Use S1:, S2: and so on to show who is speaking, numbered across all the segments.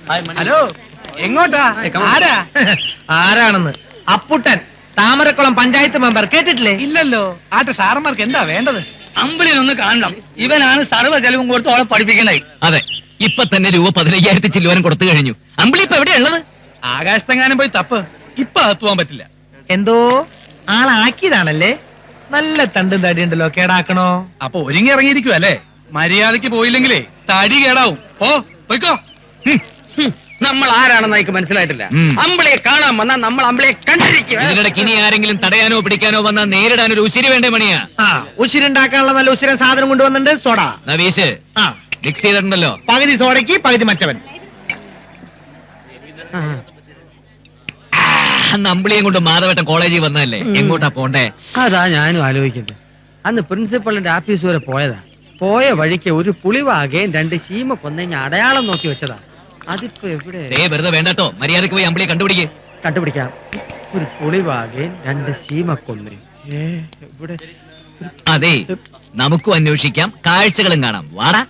S1: Hello, എങ്ങോട്ടാ? ആരാ?
S2: ആരാണെന്ന്? അപ്പുട്ടൻ, താമരക്കുളം പഞ്ചായത്ത് മെമ്പർ. കേട്ടിട്ടില്ലേ?
S1: ഇല്ലല്ലോ. ആട്ടെ, സാറന്മാർക്ക് എന്താ വേണ്ടത്?
S3: അമ്പിളിനൊന്ന് കാണണം. ഇവനാണ് സർവ്വ ചെലവും കൊടുത്ത് അവളെ പഠിപ്പിക്കണേ.
S4: അതെ, ഇപ്പൊ തന്നെ രൂപ 15,000 ചില്ലുവാനും കൊടുത്തു കഴിഞ്ഞു. അമ്പിളി ഇപ്പൊ എവിടെയുള്ളത്?
S1: ആകാശത്തെങ്ങാനും പോയി തപ്പ്. ഇപ്പൊ അകത്തുപോകാൻ പറ്റില്ല.
S2: എന്തോ ആളാക്കിയതാണല്ലേ? നല്ല തണ്ടും തടിയുണ്ടല്ലോ, കേടാക്കണോ?
S1: അപ്പൊ ഒരുങ്ങി ഇറങ്ങിയിരിക്കും അല്ലേ? മര്യാദക്ക് പോയില്ലെങ്കിലേ തടി കേടാവും. പോയിക്കോ.
S5: നമ്മൾ ആരാണെന്ന് എനിക്ക് മനസ്സിലായിട്ടില്ല. അമ്പിളിയെ കാണാൻ വന്നാൽ നമ്മൾ അമ്പിളിയെ കണ്ടിരിക്കും.
S4: ഇതിനിടയ്ക്ക് ഇനി ആരെങ്കിലും തടയാനോ പിടിക്കാനോ വന്നാൽ നേരിടാൻ ഒരു ഉശിരി വേണ്ടേ മണിയാ?
S2: ഉശിരുണ്ടാക്കാനുള്ള നല്ല ഉശിരൻ സാധനം കൊണ്ടുവന്നിട്ടുണ്ട്. സോഡ
S4: നവീഷ് മിക്സ് ചെയ്തിട്ടുണ്ടല്ലോ.
S2: പകുതി സോഡയ്ക്ക് പകുതി മറ്റവൻ.
S4: അന്ന് അമ്പിളിയും കൊണ്ട് മാധവട്ടം കോളേജിൽ വന്നതല്ലേ, എങ്ങോട്ടാ പോണ്ടേ?
S5: അതാ ഞാനും ആലോചിക്കുന്നത്. അന്ന് പ്രിൻസിപ്പളിന്റെ ആഫീസ് വരെ പോയതാ. പോയ വഴിക്ക് ഒരു പുളിവാകയും 2 ശീമ കൊന്നഞ്ഞ അടയാളം നോക്കി വെച്ചതാ. അതിപ്പോ എവിടെ?
S4: വെറുതെ വേണ്ടട്ടോ, മര്യാദക്ക് പോയി അമ്പിളിയെ
S5: കണ്ടുപിടിക്കാം. ഒരു പുളിവാകയും 2 ശീമ കൊന്ന. ഇവിടെ
S4: അതെ, നമുക്കും അന്വേഷിക്കാം, കാഴ്ചകളും കാണാം. വാടാ.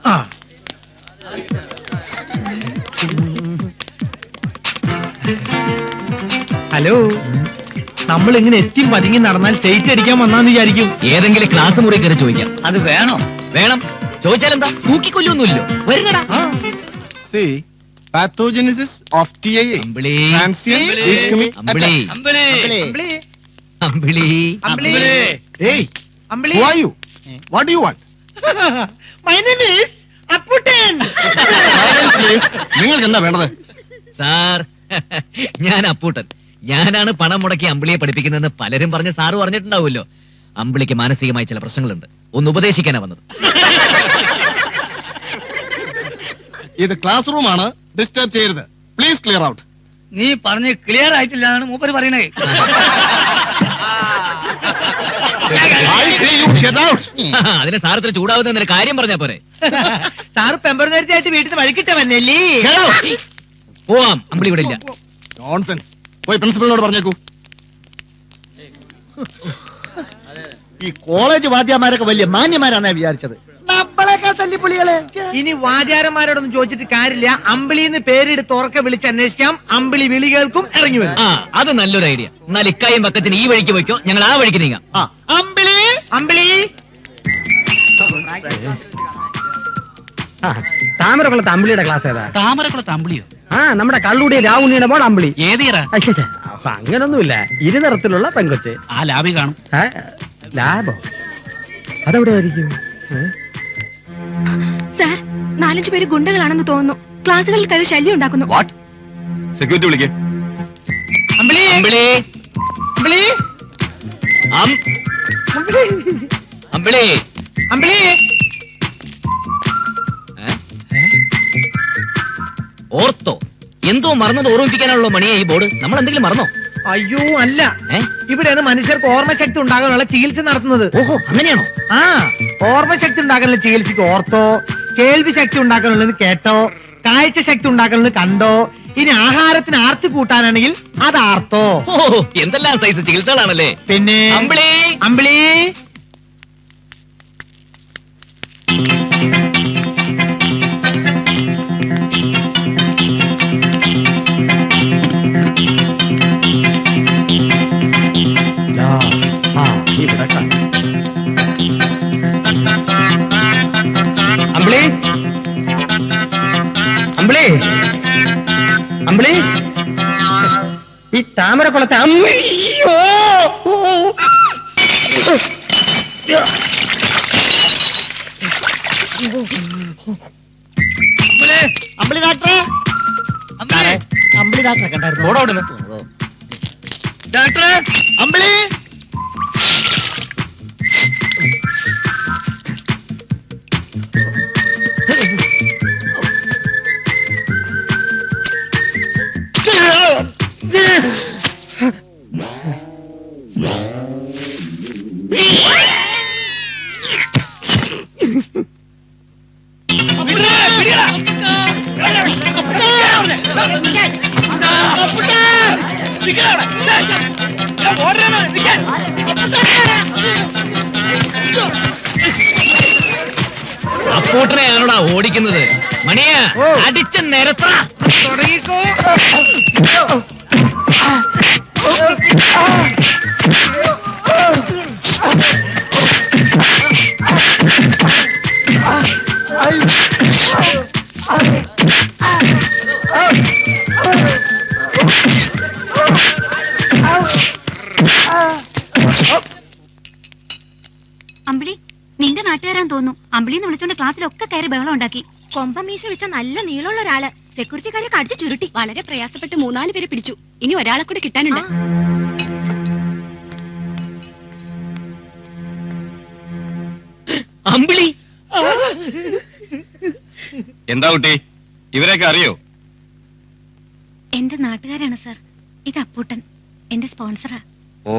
S2: ഹലോ, നമ്മൾ ഇങ്ങനെ എത്തി പതുങ്ങി നടന്നാൽ സ്റ്റേറ്റ് അടിക്കാൻ വന്നാന്ന് വിചാരിക്കും.
S4: ഏതെങ്കിലും ക്ലാസ് മുറി കയറി ചോദിക്കാം.
S3: അത് വേണോ?
S4: വേണം. ചോദിച്ചാലെന്താ? തൂക്കിക്കൊല്ലൊന്നുമില്ലോ. വരുന്നടാ.
S6: See, pathogenesis of TIA.
S4: Ambili.
S6: Transient ischemic
S4: Ambili.
S6: attack.
S4: Ambili.
S6: Hey, who are you? What do you want?
S2: My name is Apputtan.
S6: Silence, please. നിങ്ങൾക്ക് എന്താ വേണ്ടത്?
S4: സാർ, ഞാൻ അപ്പൂട്ടൻ. ഞാനാണ് പണം മുടക്കി അമ്പിളിയെ പഠിപ്പിക്കുന്നതെന്ന് പലരും പറഞ്ഞ് സാറ് പറഞ്ഞിട്ടുണ്ടാവുമല്ലോ. അമ്പിളിക്ക് മാനസികമായി ചില പ്രശ്നങ്ങളുണ്ട്. ഒന്ന് ഉപദേശിക്കാനാ വന്നത്.
S6: ഇത് ക്ലാസ് റൂം ആണ്, ഡിസ്റ്റർബ് ചെയ്യരുത്. Please clear out.
S3: നീ പറഞ്ഞ് ക്ലിയർ ആയിട്ടില്ല എന്നാണ് മൂപ്പര് പറയണേ.
S6: I say you get out.
S4: അതിന് സാർ ഇത്ര ചൂടാവുന്ന കാര്യം പറഞ്ഞാ പോരെ?
S2: സാറ് പെമ്പറന്നേരത്തെയായിട്ട് വീട്ടിൽ നിന്ന് വഴിക്കിട്ടവന്നല്ലേ?
S6: Get out.
S4: പോവാം, അമ്പിളി ഇവിടെ ഇല്ല.
S6: Nonsense. പോയി പ്രിൻസിപ്പലിനോട് പറഞ്ഞേക്കൂ.
S7: ഈ കോളേജ് വാദ്യമാരൊക്കെ വലിയ മാന്യമാരാണെന്നാ വിചാരിച്ചത്.
S2: ഇനി വാദ്യാരന്മാരോടൊന്നും ചോദിച്ചിട്ട് കാര്യമില്ല. അമ്പിളിന്ന് പേരെടുത്ത് ഉറക്കെ വിളിച്ച് അന്വേഷിക്കാം. അമ്പിളി വിളി കേൾക്കും, ഇറങ്ങി വരും.
S4: അത് നല്ലൊരു ഐഡിയ. എന്നാൽ ഇക്കായും പക്കത്തിന് ഈ വഴിക്ക് പോയിക്കോ, ഞങ്ങൾ ആ വഴിക്ക് നീങ്ങാം.
S2: അമ്പിളി, അമ്പിളി.
S5: താമരക്കുളത്ത് അമ്പിളിയുടെ ക്ലാസ് ഏതാ?
S3: താമരക്കുളത്ത് അമ്പിളിയോ?
S5: നമ്മുടെ കള്ളുടി രാവുണ്ണിയുടെ മോൾ അമ്പിളി.
S3: ഏതിയറാ?
S5: അപ്പൊ അങ്ങനൊന്നുമില്ല, ഇരുനിറത്തിലുള്ള പെങ്കൊച്ച്.
S3: ആ ലാബി കാണും.
S5: ലാബോ? അതെവിടെ ആയിരിക്കും?
S8: സാർ, 4-5 പേര് ഗുണ്ടകളാണെന്ന് തോന്നുന്നു. ക്ലാസ്സുകളിൽ കയറി ശല്യം ഉണ്ടാക്കുന്നു.
S6: സെക്യൂരിറ്റി വിളിക്കേ.
S2: അമ്പിളി,
S4: അമ്പിളി,
S2: അമ്പിളി,
S4: അമ്പിളി,
S2: അമ്പിളി.
S4: ഓർത്തോ? എന്തോ മറന്നത് ഓർമ്മിപ്പിക്കാനുള്ള മണിയാ ഈ ബോർഡ്. നമ്മൾ എന്തെങ്കിലും മറന്നോ?
S2: അയ്യോ അല്ല, ഇവിടെയാണ് മനുഷ്യർക്ക് ഓർമ്മശക്തി ഉണ്ടാകാനുള്ള ചികിത്സ നടത്തുന്നത്.
S4: ഓഹോ, അങ്ങനെയാണോ?
S2: ഓർമ്മശക്തി ഉണ്ടാക്കാനുള്ള ചികിത്സക്ക് ഓർത്തോ, കേൾവി ശക്തി ഉണ്ടാക്കാനുള്ളത് കേട്ടോ, കാഴ്ച ശക്തി ഉണ്ടാക്കാനുള്ളത് കണ്ടോ, ഇനി ആഹാരത്തിന് ആർത്തി കൂട്ടാനാണെങ്കിൽ അത് ആർത്തോ.
S4: ഓ, എന്തെല്ലാം സൈസ് ചികിത്സകളാണല്ലേ.
S2: പിന്നെ
S4: അമ്പിളി,
S2: അമ്പിളി.
S5: അമ്പിളി, അമ്പിളി, അമ്പിളി. ഈ താമരക്കുളത്തെ അമ്മയോ.
S7: അമ്പിളി ഡാക്ടറെ, അമ്പിളി ഡാക്ടറെ കണ്ടായിരുന്നു.
S3: ഡോക്ടറെ,
S7: അമ്പിളി.
S4: അപ്പൂട്ടനെയാണോടാ ഓടിക്കുന്നത്? മണിയാ അടിച്ച നിരത്ര
S2: തുടങ്ങിക്കോ.
S8: അമ്പിളി, നിന്റെ നാട്ടുകാരാൻ തോന്നുന്നു. അമ്പിളിന്ന് വിളിച്ചോണ്ട് ക്ലാസ്സിലൊക്കെ കയറി ബഹളം ഉണ്ടാക്കി. കൊമ്പമീശ വെച്ച നല്ല നീളമുള്ള ഒരാള് സെക്യൂരിറ്റിക്കാരെ കടിച്ചു ചുരുട്ടി. വളരെ പ്രയാസപ്പെട്ട് 3-4 പേരെ പിടിച്ചു. ഇനി ഒരാളെ കൂടെ കിട്ടാനുണ്ട്.
S4: അമ്പിളി
S6: എന്താ കുട്ടി, ഇവരെയൊക്കെ അറിയോ?
S8: എന്റെ നാട്ടുകാരാണ് സർ. ഇത് അപ്പൂട്ടൻ, എന്റെ സ്പോൺസറാ.
S6: ഓ,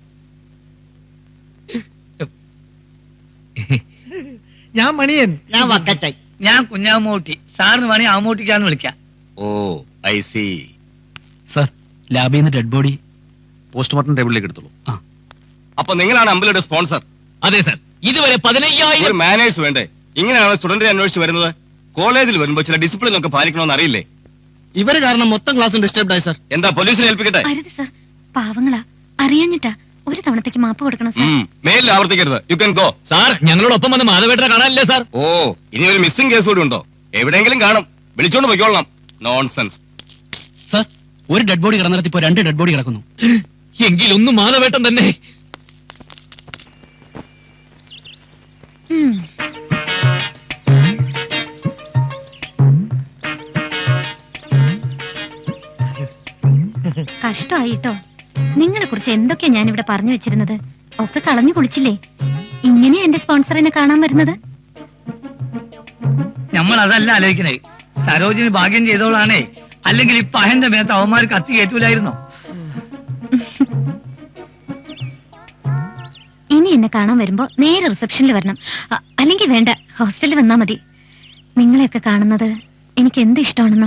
S2: ഞാൻ മണിയൻ.
S7: ഞാൻ വക്കച്ചായി.
S3: ഞാൻ കുഞ്ഞാമൂട്ടി. സാറിന് വേണേ ആമൂട്ടിക്കാന്ന് വിളിക്കാം.
S6: ഓ, ഐ സി.
S1: സർ, ലാബിൽ നിന്ന് ഡെഡ് ബോഡി പോസ്റ്റ്മോർട്ടം ടേബിളിലേക്ക് എടുത്തോളൂ.
S6: അപ്പൊ നിങ്ങളാണ് അമ്പലയുടെ സ്പോൺസർ?
S4: അതെ സർ. ഇതുവരെ 15,000
S6: ഒരു മാനേഴ്സ് വേണ്ടേ? ഇങ്ങനെയാണ് സ്റ്റുഡന്റിനെ അന്വേഷിച്ച് വരുന്നത്. കോളേജിൽ വരുമ്പോ ചില ഡിസിപ്ലിൻ ഒക്കെ പാലിക്കണമെന്ന് അറിയില്ലേ?
S7: ഇവര് കാരണം മൊത്തം ക്ലാസ് ഡിസ്റ്റർബ് ആയി സർ.
S6: എന്താ പോലീസിനെ ഏൽപ്പിക്കട്ടെ?
S8: അരുത് സർ, പാവങ്ങളാ. അറിയാഞ്ഞിട്ടാ. ഒരു തവണത്തേക്ക് മാപ്പ് കൊടുക്കണം സർ.
S6: മേലിൽ ആവർത്തിക്കരുത്. You can go.
S4: സാർ, ഞങ്ങളോടൊപ്പം വന്ന് മാധവേട്ടനെ കാണാനില്ലേ സാർ?
S6: ഓ, ഇനി ഒരു മിസ്സിംഗ് കേസ് കൂടി ഉണ്ടോ? എവിടെയെങ്കിലും കാണും. വിളിച്ചോണ്ട് പോയിക്കോളണം. നോൺസെൻസ്.
S1: സർ, ഒരു ഡെഡ് ബോഡി കിടന്നിടത്ത് ഇപ്പോ 2 ഡെഡ് ബോഡി കിടക്കുന്നു.
S4: എങ്കിലൊന്നും മാധവേട്ടൻ തന്നെ.
S8: കഷ്ടമായിട്ടോ. നിങ്ങളെ കുറിച്ച് എന്തൊക്കെയാ ഞാനിവിടെ പറഞ്ഞു വെച്ചിരുന്നത്. ഒക്കെ കളഞ്ഞു കുളിച്ചില്ലേ. ഇങ്ങനെയാ എന്റെ സ്പോൺസറിനെ കാണാൻ വരുന്നത്.
S3: നമ്മൾ അതല്ല ആലോചിക്കണേ. സരോജിനി ഭാഗ്യം ചെയ്തോളാണേ. അല്ലെങ്കിൽ ഇപ്പൊ അഹന്റെ മേത്ത് അവന്മാർ കത്തി കയറ്റൂലായിരുന്നോ?
S8: ഇനി എന്നെ കാണാൻ വരുമ്പോ നേരെ റിസപ്ഷനിൽ വരണം. അല്ലെങ്കിൽ വേണ്ട, ഹോസ്റ്റലിൽ വന്നാ മതി. നിങ്ങളെയൊക്കെ കാണുന്നത് എനിക്ക് എന്ത് ഇഷ്ടമാണെന്നോ.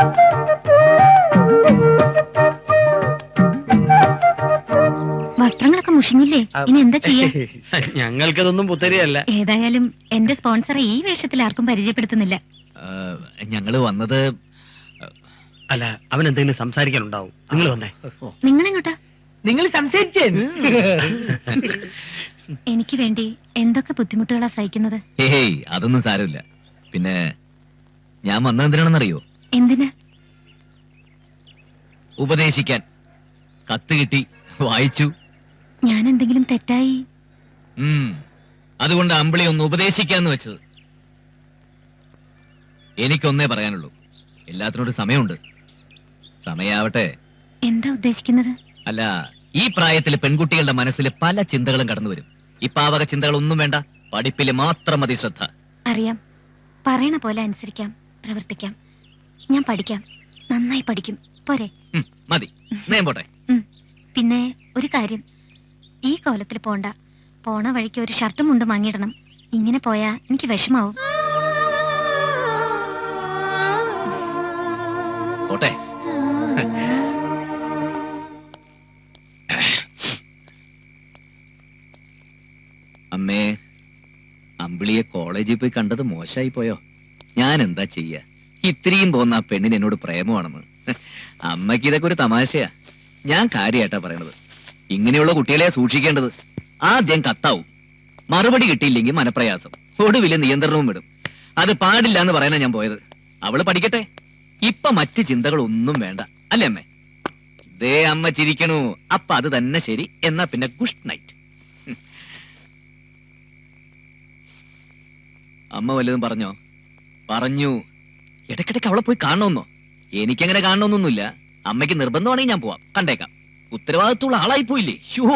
S8: വസ്ത്രങ്ങളൊക്കെ മുഷിഞ്ഞില്ലേ? ഇനി എന്താ ചെയ്യാ?
S5: ഞങ്ങൾക്കതൊന്നും പുത്തരിയല്ല.
S8: ഏതായാലും എന്റെ സ്പോൺസറെ ഈ വേഷത്തിൽ ആർക്കും പരിചയപ്പെടുത്തുന്നില്ല.
S4: ഞങ്ങള് വന്നത്
S5: അല്ല, അവൻ എന്തെങ്കിലും സംസാരിക്കാനുണ്ടാവും. നിങ്ങൾ വന്നേ.
S8: നിങ്ങളെങ്ങോട്ടാ?
S2: നിങ്ങൾ സംസാരിച്ചേ.
S8: എനിക്ക് വേണ്ടി എന്തൊക്കെ ബുദ്ധിമുട്ടുകളാ സഹിക്കുന്നത്.
S4: ഹേയ്, അതൊന്നും സാരമില്ല. പിന്നെ ഞാൻ വന്നത് എന്തിനാണെന്നറിയോ?
S8: എന്തിന്?
S4: ഉപദേശിക്കാൻ. കത്ത് കിട്ടി, വായിച്ചു.
S8: ഞാൻ എന്തെങ്കിലും തെറ്റായി?
S4: അതുകൊണ്ട് അമ്പിളി ഒന്ന് ഉപദേശിക്കാന്ന് വെച്ചത്. എനിക്കൊന്നേ പറയാനുള്ളൂ, എല്ലാത്തിനോടും സമയമുണ്ട്. സമയാവട്ടെ.
S8: എന്താ ഉദ്ദേശിക്കുന്നത്?
S4: അല്ല, ഈ പ്രായത്തിൽ പെൺകുട്ടികളുടെ മനസ്സിൽ പല ചിന്തകളും കടന്നു വരും. ഈ പാവക ചിന്തകളൊന്നും വേണ്ട, പഠിപ്പില് മാത്രം മതി ശ്രദ്ധ.
S8: അറിയാം. പറയണ പോലെ അനുസരിക്കാം, പ്രവർത്തിക്കാം. ഞാൻ പഠിക്കാം, നന്നായി പഠിക്കും. പോരെ?
S4: മതി, നേം പോട്ടെ.
S8: പിന്നെ ഒരു കാര്യം, ഈ കോലത്തിൽ പോണ്ട. പോണ വഴിക്ക് ഒരു ഷർട്ടും മുണ്ടും വാങ്ങിയിടണം. ഇങ്ങനെ പോയാ എനിക്ക് വിഷമാവും.
S4: പോട്ടെ. അമ്മേ, അമ്പിളിയെ കോളേജിൽ പോയി കണ്ടത് മോശമായി പോയോ? ഞാൻ എന്താ ചെയ്യ? ഇത്രയും പോകുന്ന ആ പെണ്ണിന് എന്നോട് പ്രേമമാണെന്ന്. അമ്മയ്ക്ക് ഇതൊക്കെ ഒരു തമാശയാ. ഞാൻ കാര്യമായിട്ടാ പറയണത്. ഇങ്ങനെയുള്ള കുട്ടികളെ സൂക്ഷിക്കേണ്ടത്. ആദ്യം കത്താവും, മറുപടി കിട്ടിയില്ലെങ്കിൽ മനപ്രയാസം, ഒടുവില് നിയന്ത്രണവും വിടും. അത് പാടില്ല എന്ന് പറയാനാ ഞാൻ പോയത്. അവള് പഠിക്കട്ടെ. ഇപ്പൊ മറ്റ് ചിന്തകളൊന്നും വേണ്ട, അല്ലേ അമ്മേ? ദേ അമ്മ ചിരിക്കണു. അപ്പൊ അത് തന്നെ ശരി. എന്നാ പിന്നെ ഗുഡ് നൈറ്റ്. അമ്മ വല്ലതും പറഞ്ഞോ? പറഞ്ഞു. ഇടയ്ക്കിടയ്ക്ക് അവളെ പോയി കാണണമെന്നോ? എനിക്കങ്ങനെ കാണണമെന്നൊന്നുമില്ല. അമ്മയ്ക്ക് നിർബന്ധമാണെങ്കിൽ ഞാൻ പോവാം, കണ്ടേക്കാം. ഉത്തരവാദിത്തമുള്ള ആളായി പോയില്ലേ? ഷോ.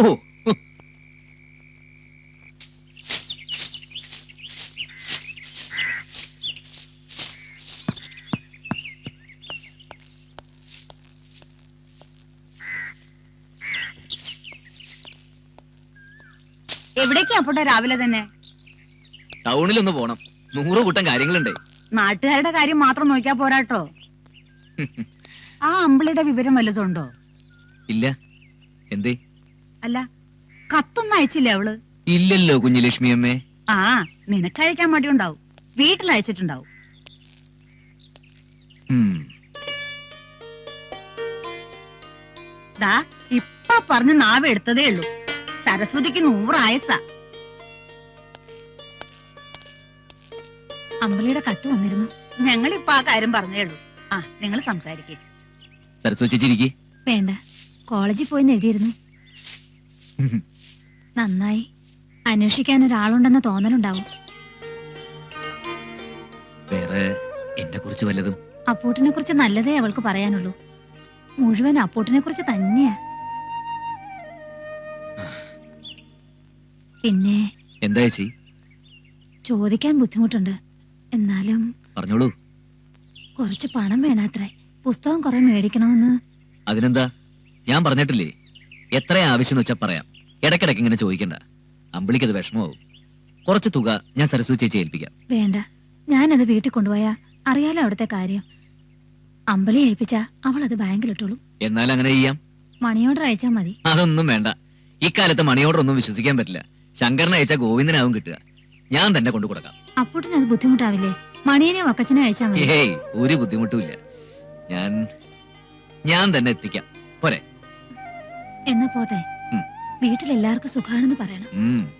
S9: എവിടേക്കാ അപ്പോട്ടെ രാവിലെ തന്നെ?
S4: ടൗണിലൊന്ന് പോണം, 100 കൂട്ടം കാര്യങ്ങളുണ്ടേ.
S9: നാട്ടുകാരുടെ കാര്യം മാത്രം നോക്കിയാ പോരാട്ടോ. ആ അമ്പിളിയുടെ വിവരം വല്ലതുണ്ടോ?
S4: ഇല്ല. എന്തേ?
S9: അല്ല, കത്തൊന്നും അയച്ചില്ലേ അവള്?
S4: ഇല്ലല്ലോ കുഞ്ഞുലക്ഷ്മി അമ്മേ.
S9: ആ, നിനക്കയക്കാൻ മടിയുണ്ടാവും. വീട്ടിൽ അയച്ചിട്ടുണ്ടാവും. ദാ ഇപ്പൊ പറഞ്ഞ് നാവ് എടുത്തതേ ഉള്ളൂ. സരസ്വതിക്ക് 100 ആയസാ.
S8: അമ്പിളിയുടെ കത്ത് വന്നിരുന്നു.
S9: ഞങ്ങളിപ്പൊ ആ കാര്യം പറഞ്ഞേ ഉള്ളൂ. ആ, നിങ്ങൾ സംസാരിക്കേ.
S4: സരസ്വതി ചേച്ചി ഇരിക്ക്.
S8: വേണ്ട, കോളേജിൽ പോയി എഴുതിയിരുന്നു. നന്നായി. അന്വേഷിക്കാൻ ഒരാളുണ്ടെന്ന തോന്നലുണ്ടാവും.
S4: വേറെ എന്നെ കുറിച്ച് വല്ലതും?
S8: അപ്പൂട്ടിനെ കുറിച്ച് നല്ലതേ അവൾക്ക് പറയാനുള്ളൂ. മുഴുവൻ അപ്പൂട്ടിനെ കുറിച്ച് തന്നെയാ. പിന്നെ
S4: എന്താ ചേച്ചി?
S8: ചോദിക്കാൻ ബുദ്ധിമുട്ടുണ്ട്. എന്നാലും
S4: പറഞ്ഞോളൂ.
S8: കുറച്ച് പണം വേണാത്രേ. പുസ്തകം കുറെ മേടിക്കണമെന്ന്.
S4: അതിനെന്താ, ഞാൻ പറഞ്ഞിട്ടില്ലേ, എത്ര ആവശ്യം വെച്ചാ പറയാം. ഇടയ്ക്കിടയ്ക്ക് ഇങ്ങനെ ചോദിക്കണ്ട. അമ്പിളിക്കത് വിഷമമാവും. കുറച്ച് തുക ഞാൻ സരസ്വതി ചേച്ചി ഏൽപ്പിക്കാം.
S8: വേണ്ട, ഞാനത് വീട്ടിൽ കൊണ്ടുപോയാ അറിയാലോ അവിടുത്തെ കാര്യം. അമ്പിളി ഏൽപ്പിച്ചാ അവൾ അത് ബാങ്കിലിട്ടോളൂ.
S4: എന്നാൽ അങ്ങനെ ചെയ്യാം.
S8: മണി ഓർഡർ അയച്ചാ മതി.
S4: അതൊന്നും വേണ്ട. ഇക്കാലത്ത് മണി ഓർഡർ ഒന്നും വിശ്വസിക്കാൻ പറ്റില്ല. ശങ്കരനെ അയച്ചാൽ ഗോവിന്ദനാവും കിട്ടുക. ഞാൻ തന്നെ കൊണ്ടു കൊടുക്കാം.
S8: അപ്പൂട്ടിന് അത് ബുദ്ധിമുട്ടാവില്ലേ? മണിയനെയോ അക്കച്ചനെ അയച്ചാ മതി.
S4: ഏയ്, ഒരു ബുദ്ധിമുട്ടുമില്ല. ഞാൻ തന്നെ എത്തിക്കാം. പോരെ?
S8: എന്നാ പോട്ടെ. വീട്ടിലെല്ലാവർക്കും സുഖാണെന്ന് പറയണം.